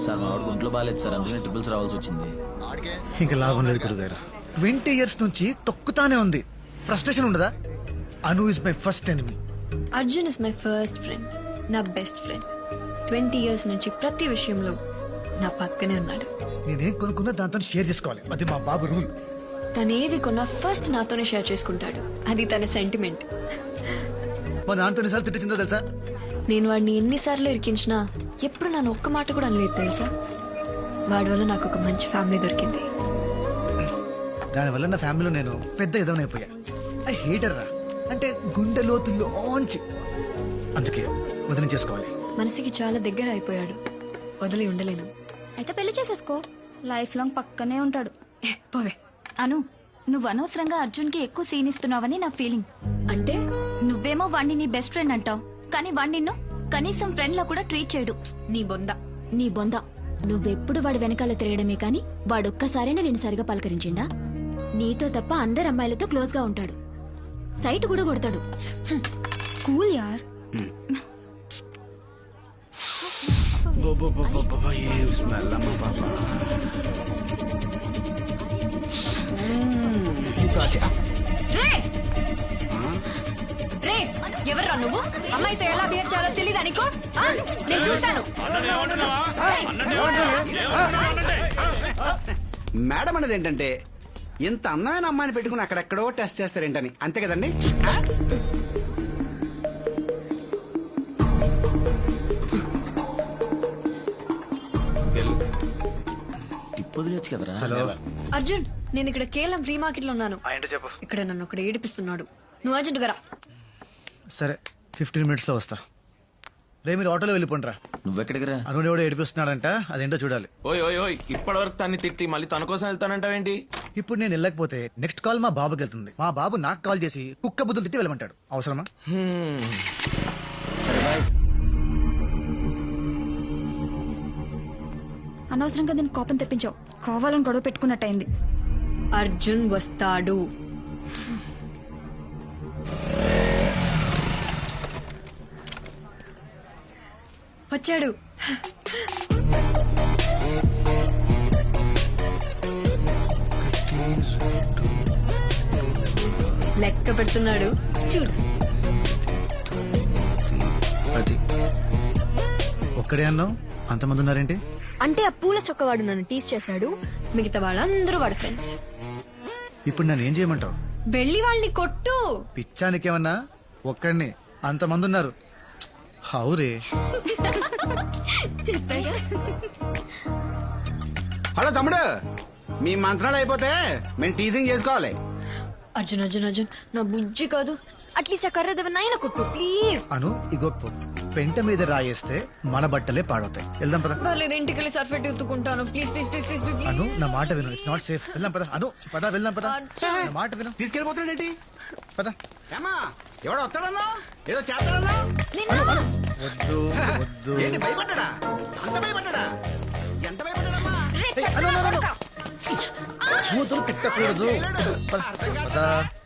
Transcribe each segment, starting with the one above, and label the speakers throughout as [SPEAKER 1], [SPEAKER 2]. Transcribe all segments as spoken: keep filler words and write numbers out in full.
[SPEAKER 1] Sir మా వాడికి ఒంట్లో బాగాలేదు సార్, అందుకని ట్రిపుల్స్ రావాల్సి వచ్చింది.
[SPEAKER 2] ఇంకా లాభం లేదు గురుగారు. ట్వంటీ ఇయర్స్ నుంచి తొక్కుతానే ఉంది. ఫ్రస్ట్రేషన్ ఉండదా? Anu is my first enemy.
[SPEAKER 3] Arjun is my first friend, నా బెస్ట్ ఫ్రెండ్. ట్వంటీ ఇయర్స్ నుంచి ప్రతి విషయంలో నా పక్కనే ఉన్నాడు.
[SPEAKER 2] నేనేం కొనుక్కున్నా దాంతో షేర్ చేసుకోవాలి, అది మా బాబు రూల్.
[SPEAKER 3] తనేవి కొన్నా ఫస్ట్ నాతోనే షేర్ చేసుకుంటాడు, అది తన సెంటిమెంట్.
[SPEAKER 2] మా నాన్నతో ఎన్నిసార్లు తిట్టిందో తెలుసా?
[SPEAKER 3] నేను వాడిని ఎన్నిసార్లు ఇరికించినా ఎప్పుడు నన్ను ఒక్క మాట కూడా అనలేదు తెలుసా. వాడి వల్ల నాకు ఒక మంచి ఫ్యామిలీ దొరికింది.
[SPEAKER 2] దానివల్ల నా ఫ్యామిలీలో నేను పెద్ద ఎదవనైపోయా. ఐ హేటర్ రా, అంటే గుండె లోతుల్లోంచి. అందుకే వదిలి చేసుకోవాలి.
[SPEAKER 3] మనసుకి చాలా దగ్గర అయిపోయాడు, వదిలి ఉండలేను.
[SPEAKER 4] అయితే పెళ్లి చేసేసుకో, లైఫ్ లాంగ్ పక్కనే ఉంటాడు.
[SPEAKER 3] ఏ, పోవే.
[SPEAKER 4] అను, నువ్వు అనవసరంగా అర్జున్ కి ఎక్కువ సీన్ ఇస్తున్నావని నా ఫీలింగ్.
[SPEAKER 3] అంటే
[SPEAKER 4] నువ్వేమో వాణ్ణి నీ బెస్ట్ ఫ్రెండ్ అంటావు, కానీ వాణ్ణి నిన్ను కనీసం ఫ్రెండ్ లా కూడా ట్రీట్ చేయడు.
[SPEAKER 3] నీ బొంద.
[SPEAKER 5] నీ బొంద. నువ్వెప్పుడు వాడి వెనకాల తిరగడమే కాని వాడొక్కసారైనా నేను సరిగా పలకరించిండా? నీతో తప్ప అందరు అమ్మాయిలతో క్లోజ్ గా ఉంటాడు, సైట్ కూడా కొడతాడు.
[SPEAKER 4] కూల్ యార్.
[SPEAKER 3] రే, ఎవర్రా నువ్వు? అమ్మాయితో ఎలా బిహేవ్ చేయాలో తెలీదా నీకు? ఆ? నేను చూశాను.
[SPEAKER 6] మేడం అనేది ఏంటంటే ఇంత అందమైన అమ్మాయిని పెట్టుకుని అక్కడెక్కడో టెస్ట్ చేస్తారేంటని, అంతే కదండి?
[SPEAKER 1] టిప్ వదిలేచ్చు కదరా.
[SPEAKER 2] హలో
[SPEAKER 3] అర్జున్, నేను ఇక్కడ కేవలం ఫ్రీ మార్కెట్ లో ఉన్నాను.
[SPEAKER 2] ఏంటో చెప్పు.
[SPEAKER 3] ఇక్కడ నన్ను ఒకటి ఏడిపిస్తున్నాడు. నువ్వు అర్జెంట్ గా రా.
[SPEAKER 2] సరే, ఫిఫ్టీన్ మినిట్స్ లో వస్తా. రే, మీరు ఆటోలో వెళ్ళిపోండిరా.
[SPEAKER 1] నువ్వెక్కడికి రా?
[SPEAKER 2] అను ఎవడో ఏడిపిస్తున్నాడంట, అదేంటో చూడాలి.
[SPEAKER 7] ఓయ్ ఓయ్ ఓయ్ ఇప్పటి వరకు తన్ని తిట్టి మళ్ళీ తన కోసం వెళ్తానంటావేంటి?
[SPEAKER 2] ఇప్పుడు నేను వెళ్ళకపోతే నెక్స్ట్ కాల్ మా బాబుకి వెళ్తుంది. మా బాబు నాకు కాల్ చేసి కుక్క బుద్ధులు తిట్టి వెళ్ళమంటాడు. అవసరమా?
[SPEAKER 1] సరే బాయ్.
[SPEAKER 4] అనవసరంగా దీన్ని కోపం తెప్పించావు, కావాలని గొడవ పెట్టుకున్నట్టయింది.
[SPEAKER 3] అర్జున్ వస్తాడు. వచ్చాడు. లెక్క పెడుతున్నాడు చూడు.
[SPEAKER 2] అది ఒక్కడే అన్నావు, అంతమంది ఉన్నారేంటి?
[SPEAKER 3] అంటే ఆ పూల చొక్కవాడు నన్ను టీస్ చేశాడు, మిగతా వాళ్ళందరూ వాడు ఫ్రెండ్స్.
[SPEAKER 2] ఇప్పుడు నన్ను ఏం చేయమంటావు?
[SPEAKER 3] వెళ్ళి వాళ్ళని కొట్టు.
[SPEAKER 2] పిచ్చానికేమన్నా? ఒక్కడిని అంతమంది ఉన్నారు. హౌరే.
[SPEAKER 6] హలో తమ్ముడు, మీ మంత్రాలు అయిపోతే మేము టీజింగ్ చేసుకోవాలి.
[SPEAKER 3] అర్జున్ అర్జున్ అర్జున్, నా బుజ్జి కాదు, అట్లీస్ట్ ఆ కర్ర దెబ్బనైనా కొట్టు ప్లీజ్.
[SPEAKER 2] అను ఇగో పెంట మీద రాయేస్తే మన బట్టలే పాడవుతాయి. వెళ్దాం పద.
[SPEAKER 3] పర్లేదు, ఇంటికి వెళ్ళి సర్ఫెట్ ఎత్తుకుంటాను. Please please please please please.
[SPEAKER 2] Anu నా మాట విను, ఇట్స్ నాట్ సేఫ్. వెళ్దాం పద. అను పద, వెళ్దాం పద. నా మాట విను,
[SPEAKER 6] తీసుకెళ్ళిపోతాడేంటి?
[SPEAKER 2] పద.
[SPEAKER 6] ఏమా ఎవడో వస్తాడన్నా, ఏదో చేస్తాడన్నా?
[SPEAKER 2] వద్దు వద్దు.
[SPEAKER 6] ఏంటి భయపడ్డా? అంత భయపడ్డా? ఎంత భయపడ్డాడమ్మా?
[SPEAKER 2] అను, అను, అను. కూతురు తిట్టకూడదు. పద, పద.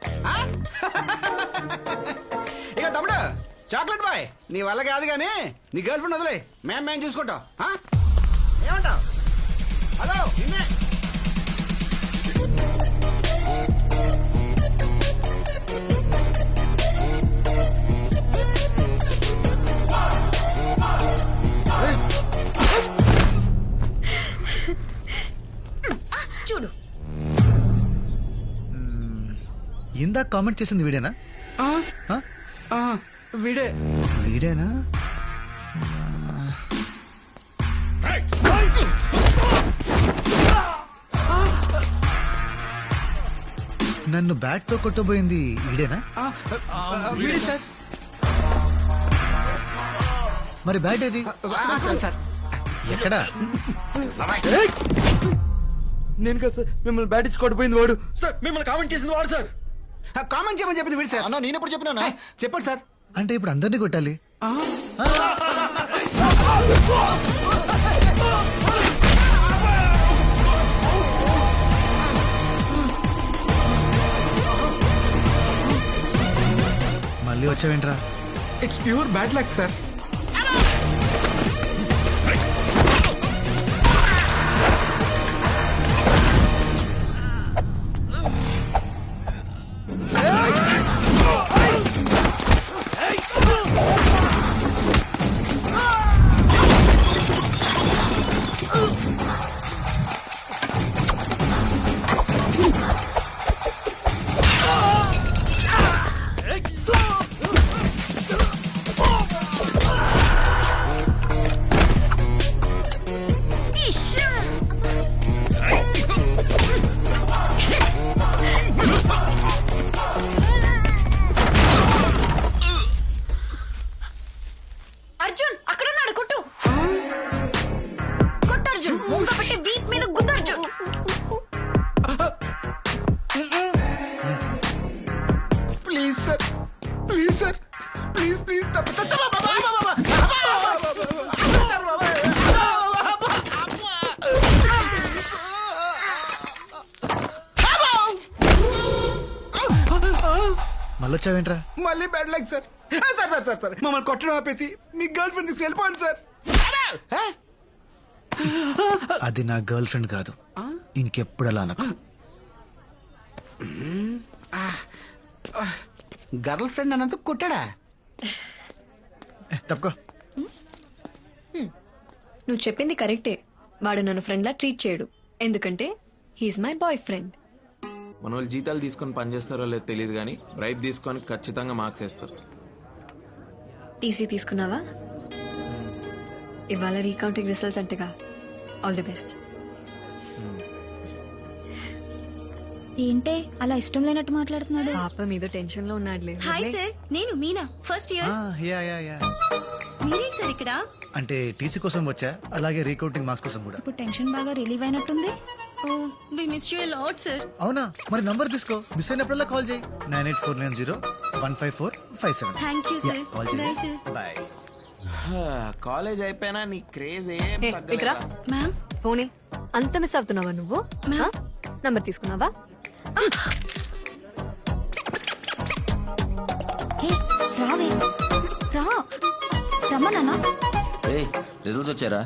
[SPEAKER 6] ఇక తమ్ముడు, చాక్లెట్ బాయ్ నీ వల్ల కాదు కానీ నీ గర్ల్ ఫ్రెండ్ వదిలే, మేము మేము చూసుకుంటాం. ఆ? ఏమంటావ్? హలో నిన్నే.
[SPEAKER 3] చూడు.
[SPEAKER 2] ఇందాక కామెంట్ చేసింది వీడేనా? ఆ?
[SPEAKER 6] వీడే
[SPEAKER 2] వీడేనా? నన్ను బ్యాట్ తో కొట్టబోయింది వీడేనా?
[SPEAKER 6] వీడే సార్.
[SPEAKER 2] మరి బ్యాట్ ఏది?
[SPEAKER 6] సార్
[SPEAKER 2] ఎక్కడా?
[SPEAKER 7] నేను కదా సార్, మిమ్మల్ని బ్యాట్ ఇచ్చి కొట్టిపోయింది వాడు. సార్ మిమ్మల్ని కామెంట్ చేసింది వాడు సార్.
[SPEAKER 6] కామెంట్ చేయమని చెప్పింది వీడు సార్.
[SPEAKER 2] అన్నా నేను ఎప్పుడు చెప్పినా?
[SPEAKER 6] చెప్పండి సార్.
[SPEAKER 2] అంటే ఇప్పుడు అందరినీ కొట్టాలి? మళ్ళీ వచ్చావేంట్రా?
[SPEAKER 6] It's pure bad luck sir.
[SPEAKER 2] మళ్ళొచ్చావేంట్రా?
[SPEAKER 6] మళ్ళీ బ్యాడ్ లైక్ సార్ ఆ, సార్ సార్ సార్ సార్ మమ్మల్ని కొట్టడం ఆపేసి మీ గర్ల్ ఫ్రెండ్ తీసుకు వెళ్ళిపోండి సార్. ఆ?
[SPEAKER 2] అది నా గర్ల్ ఫ్రెండ్ కాదు, ఇంకెప్పుడు అలా అనకు.
[SPEAKER 6] గర్ల్ ఫ్రెండ్ అన్నందుకు కొట్టాడా?
[SPEAKER 2] ఏ, తప్పుకో.
[SPEAKER 3] నువ్వు చెప్పింది కరెక్టే. వాడు నన్ను ఫ్రెండ్లా ట్రీట్ చేయడు, ఎందుకంటే హీఈస్ మై బాయ్ ఫ్రెండ్.
[SPEAKER 8] మన వాళ్ళు జీతాలు తీసుకొని పనిచేస్తారో లేదో తెలియదు కానీ బ్రైబ్ తీసుకొని ఖచ్చితంగా మార్క్స్ వేస్తారు.
[SPEAKER 3] టీసీ తీసుకున్నావా? ఇవాళ రీకౌంటింగ్ రిజల్ట్స్ అంటగా. All the best.
[SPEAKER 4] ఏంటే అలా ఇష్టం లేనట్టు మాట్లాడుతున్నాడు?
[SPEAKER 3] పాప మీద టెన్షన్ లో ఉన్నాడులే.
[SPEAKER 4] హాయ్ సార్, నేను మీనా, ఫస్ట్ ఇయర్.
[SPEAKER 2] ఆ, యా, యా, యా.
[SPEAKER 4] మీరేంటి సార్ ఇక్కడ?
[SPEAKER 2] అంటే టీసీ కోసం వచ్చా, అలాగే రీకౌంటింగ్ మార్క్స్ కోసం కూడా.
[SPEAKER 4] ఇప్పుడు టెన్షన్ బాగా రిలీవ్ అయినట్టుంది. Oh we miss you lot sir.
[SPEAKER 2] అవునా? మరి నంబర్ తీసుకో, మిస్ అయినప్పుడల్లా కాల్ చేయి. Nine eight four nine zero one five four five seven.
[SPEAKER 4] Thank you sir.
[SPEAKER 2] Call
[SPEAKER 4] bye
[SPEAKER 2] చేయి.
[SPEAKER 4] సార్.
[SPEAKER 2] బాయ్.
[SPEAKER 8] కాలేజ్ అయిపోయినా నీ క్రేజ్ ఏం
[SPEAKER 3] ఏ, ఇట్రా.
[SPEAKER 8] తగ్గలేదా?
[SPEAKER 4] మ్యామ్,
[SPEAKER 3] ఫోనే అంత మిస్ అవుతున్నావా నువ్వు? నంబర్ తీసుకున్నావా?
[SPEAKER 4] హే రావే, రా రమ్మన్నా.
[SPEAKER 1] రే రిజల్ట్స్ వచ్చారా?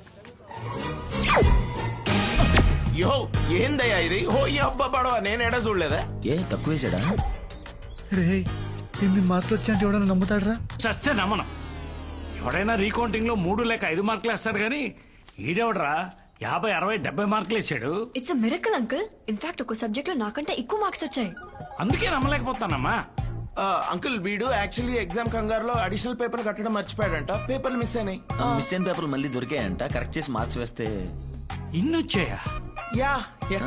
[SPEAKER 8] యో ఏందయ్యా ఇది? ఓ ఈ అబ్బా పడవ నేను ఎడ చూడలేదా?
[SPEAKER 1] ఏ తక్కువ వేసాడా?
[SPEAKER 2] రే, ఎన్ని మార్కులు వచ్చాయంటే ఎవడన్నా నమ్ముతాడరా?
[SPEAKER 9] చస్తే నమ్మను. ఎవడైనా రీకౌంటింగ్ లో మూడు లేక ఐదు మార్కులు వేస్తాడు కానీ ఈడెవడరా యాభై అరవై డెబ్బై మార్కులు వేసాడు.
[SPEAKER 3] It's a miracle uncle. In fact ఒక సబ్జెక్ట్ లో నాకంటే ఎక్కువ మార్క్స్ వచ్చాయి.
[SPEAKER 9] అందుకే నమ్మలేకపోతానమ్మా.
[SPEAKER 8] అంకుల్ వీడు యాక్చువల్లీ ఎగ్జామ్ కంగారులో అడిషనల్ పేపర్ కట్టడం మర్చిపోయాడంట. పేపర్లు మిస్ అయినాయి.
[SPEAKER 1] మిస్ అయిన పేపర్లు మళ్ళీ దొరికాయంట. కరెక్ట్ చేసి మార్క్స్ వేస్తే
[SPEAKER 9] ఇన్నొచ్చాయా?
[SPEAKER 8] యా యా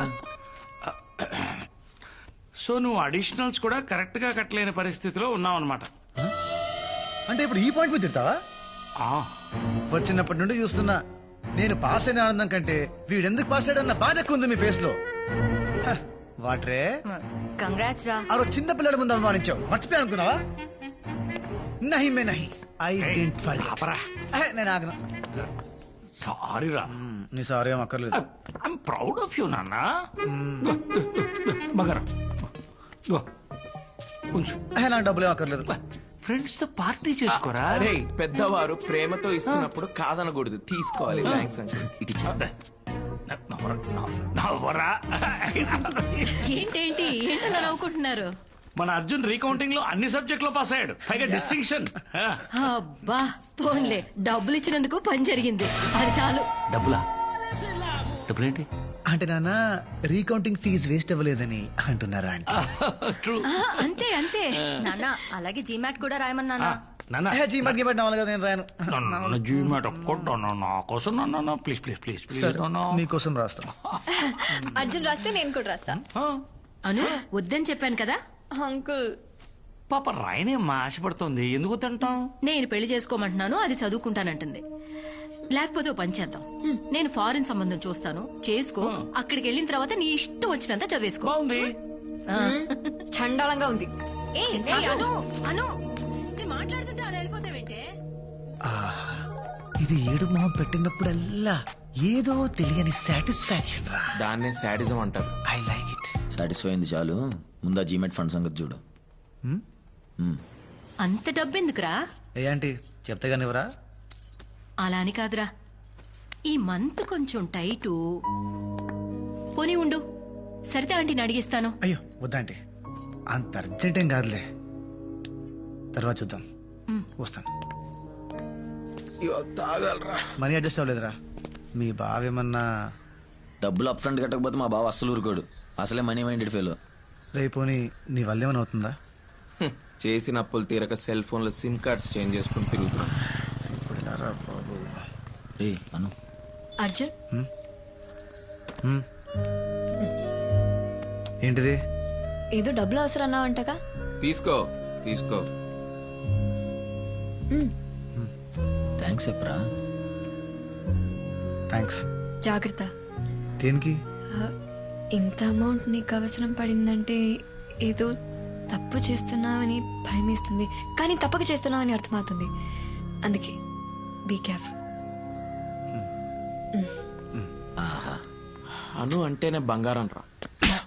[SPEAKER 9] సో నువ్వు అడిషనల్స్ కూడా కరెక్ట్ గా కట్టలేని పరిస్థితిలో ఉన్నావు అనమాట.
[SPEAKER 2] అంటే ఇప్పుడు ఈ పాయింట్ మీద తిడతావా? వచ్చినప్పటి నుండి చూస్తున్నా, నేను పాస్ అయిన ఆనందం కంటే వీడెందుకు పాస్ అయ్యాడన్న బాధ ఎక్కువ ఉంది మీ ఫేస్ లో. హ, వాట్రే
[SPEAKER 4] కంగ్రాట్స్ రా.
[SPEAKER 2] ఆ రోజు చిన్న పిల్లల ముందు అవమానించావు, మర్చిపోయా అనుకున్నావా? నహి మే నహి, ఐ డెంట్ ఫర్
[SPEAKER 9] ఆపరా.
[SPEAKER 2] నేను ఆగను.
[SPEAKER 9] సారీ రా.
[SPEAKER 2] నీ సారీ ఏం అక్కర్లేదు.
[SPEAKER 9] ఐఎమ్ ప్రౌడ్ ఆఫ్ యూ నాన్న. మగరా ఉంచు.
[SPEAKER 2] ఏ, నాకు డబ్బులు ఏం అక్కర్లేదు.
[SPEAKER 9] ఫ్రెండ్స్ తో పార్టీ చేసుకోరా.
[SPEAKER 8] అరే పెద్దవారు ప్రేమతో ఇస్తున్నప్పుడు కాదనకూడదు, తీసుకోవాలి. Thanks uncle.
[SPEAKER 1] ఇటు ఇచ్చా.
[SPEAKER 9] నవ్వరా.
[SPEAKER 10] ఏంటేంటి ఏంటలా నవ్వుకుంటున్నారు?
[SPEAKER 9] మన అర్జున్ రీకౌంటింగ్ లో అన్ని సబ్జెక్ట్ లో పాస్ అయ్యాడు, పైగా డిస్టింక్షన్.
[SPEAKER 10] అబ్బా పోన్లే, డబ్బులు ఇచ్చినందుకు పని జరిగింది, అది చాలు.
[SPEAKER 9] డబ్బులా? డబ్బులేంటి?
[SPEAKER 2] అంటే నాన్న రీకౌంటింగ్ ఫీజు వేస్ట్ అవ్వలేదని అంటున్నారా? అంటే
[SPEAKER 9] ట్రూ.
[SPEAKER 10] ఆ, అంతే అంతే నాన్న. అలాగే జీమాట్ కూడా రాయమన్నానా?
[SPEAKER 9] నాన్న
[SPEAKER 2] జీ మట్కి పెట్టిన వాళ్ళు కదా, నేను రాయను.
[SPEAKER 9] నన్ను జీమాట్ ఒక్కటి నా కోసం నాన్న, ప్లీజ్ ప్లీజ్ ప్లీజ్ ప్లీజ్
[SPEAKER 2] సరే, మీకోసం రాస్తాను.
[SPEAKER 3] అర్జున్ రాస్తే నేను కూడా రాస్తా.
[SPEAKER 10] అను వద్దని చెప్పాను కదా.
[SPEAKER 3] అంకుల్
[SPEAKER 9] పాప రాయనేమ్మా, ఆశపడుతోంది. ఎందుకు తింటాం?
[SPEAKER 10] నేను పెళ్లి చేసుకోమంటున్నాను, అది చదువుకుంటానంటుంది. లేకపోతే ఓ పని చేద్దాం, నేను ఫారిన్ సంబంధం చూస్తాను, చేసుకో. అక్కడికి వెళ్ళిన తర్వాత నీ ఇష్టం వచ్చినంత చదివేసుకో.
[SPEAKER 9] బాగుంది.
[SPEAKER 3] చండాలంగా ఉంది.
[SPEAKER 10] ఏ, ఏ, అను అను నేను మాట్లాడుతుంటే అలా వెళ్ళిపోతావేంటే?
[SPEAKER 2] ఆహా, ఇది ఏడు మొహం పెట్టినప్పుడల్లా ఏదో తెలియని సాటిస్ఫాక్షన్ రా.
[SPEAKER 8] దాన్నే శాడిజం అంటారు.
[SPEAKER 2] I like it.
[SPEAKER 1] సాటిస్ఫై అయింది చాలు. ముందా జీమెట్ ఫండ్ సంగతి చూడు.
[SPEAKER 10] అంత డబ్బెందుకురా?
[SPEAKER 2] ఏ ఆంటీ చెప్తే కానివరా?
[SPEAKER 10] అలా అని కాదురా, ఈ మంత్ కొంచెం టైటు. పోనీ ఉండు, సరితే ఆంటీని అడిగిస్తాను.
[SPEAKER 2] అయ్యో వద్దాంటీ, అంత అర్జెంట్ ఏం కాదులే, తర్వాత చూద్దాం. వస్తాను.
[SPEAKER 8] తాగలరా.
[SPEAKER 2] మనీ అడ్జస్ట్ అవ్వలేదురా? మీ బావేమన్నా?
[SPEAKER 1] డబ్బులు అప్ ఫ్రంట్ కట్టకపోతే మా బావ అస్సలు ఊరుకోడు. అసలే మనీ మైండెడ్ ఫెలో.
[SPEAKER 2] రేపోని నీ వల్ల ఏమైనా అవుతుందా?
[SPEAKER 8] చేసిన అప్పులు తీరక సెల్ ఫోన్ లో సిమ్ కార్డ్స్ చేంజ్ చేసుకుని తిరుగుతున్నాం.
[SPEAKER 1] రే అను.
[SPEAKER 3] అర్జున్
[SPEAKER 2] ఏంటిది?
[SPEAKER 3] ఏదో డబ్బులు అవసరం అన్నావంటగా.
[SPEAKER 8] తీసుకో తీసుకో.
[SPEAKER 1] థ్యాంక్స్ చెప్పరా.
[SPEAKER 2] థ్యాంక్స్.
[SPEAKER 3] జాగ్రత్త.
[SPEAKER 2] దేనికి?
[SPEAKER 3] ఆ, ఇంత అమౌంట్ నీకు అవసరం పడిందంటే ఏదో తప్పు చేస్తున్నావని భయమేస్తుంది, కానీ తప్పక చేస్తున్నావని అర్థమవుతుంది. అందుకే బీ కేర్ఫుల్.
[SPEAKER 8] అను అంటేనే బంగారం రా.